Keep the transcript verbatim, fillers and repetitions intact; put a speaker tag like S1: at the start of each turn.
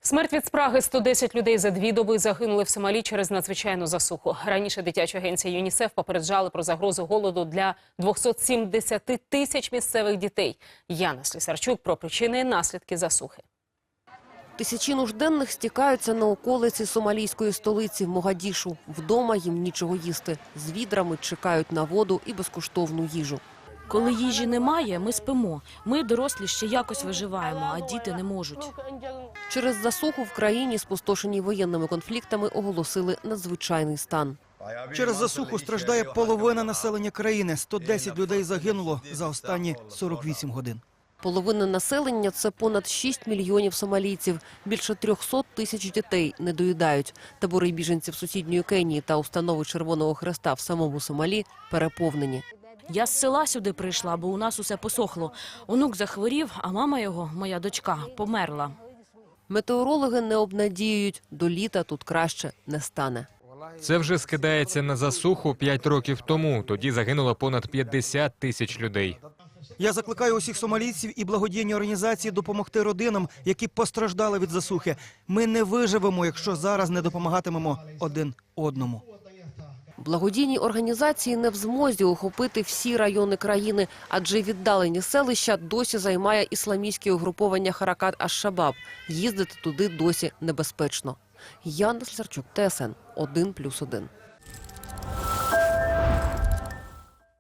S1: Смерть від спраги. сто десять людей за дві доби загинули в Сомалі через надзвичайну засуху. Раніше дитяча агенція ЮНІСЕФ попереджали про загрозу голоду для двохсот сімдесяти тисяч місцевих дітей. Яна Слісарчук про причини і наслідки засухи.
S2: Тисячі нужденних стікаються на околиці сомалійської столиці Могадішу. Вдома їм нічого їсти. З відрами чекають на воду і безкоштовну їжу.
S3: Коли їжі немає, ми спимо. Ми, дорослі, ще якось виживаємо, а діти не можуть.
S2: Через засуху в країні, спустошеній воєнними конфліктами, оголосили надзвичайний стан.
S4: Через засуху страждає половина населення країни. сто десять людей загинуло за останні сорок вісім годин.
S2: Половина населення – це понад шість мільйонів сомалійців. Більше трьохсот тисяч дітей не доїдають. Табори біженців сусідньої Кенії та установи Червоного Хреста в самому Сомалі переповнені.
S3: Я з села сюди прийшла, бо у нас усе посохло. Онук захворів, а мама його, моя дочка, померла.
S2: Метеорологи не обнадіюють, до літа тут краще не стане.
S5: Це вже скидається на засуху п'ять років тому. Тоді загинуло понад п'ятдесят тисяч людей.
S4: Я закликаю усіх сомалійців і благодійні організації допомогти родинам, які постраждали від засухи. Ми не виживемо, якщо зараз не допомагатимемо один одному.
S2: Благодійні організації не в змозі охопити всі райони країни, адже віддалені селища досі займає ісламістське угруповання Харакат аш-Шабаб. Їздити туди досі небезпечно. Яна Слісарчук, Т С Н один плюс один.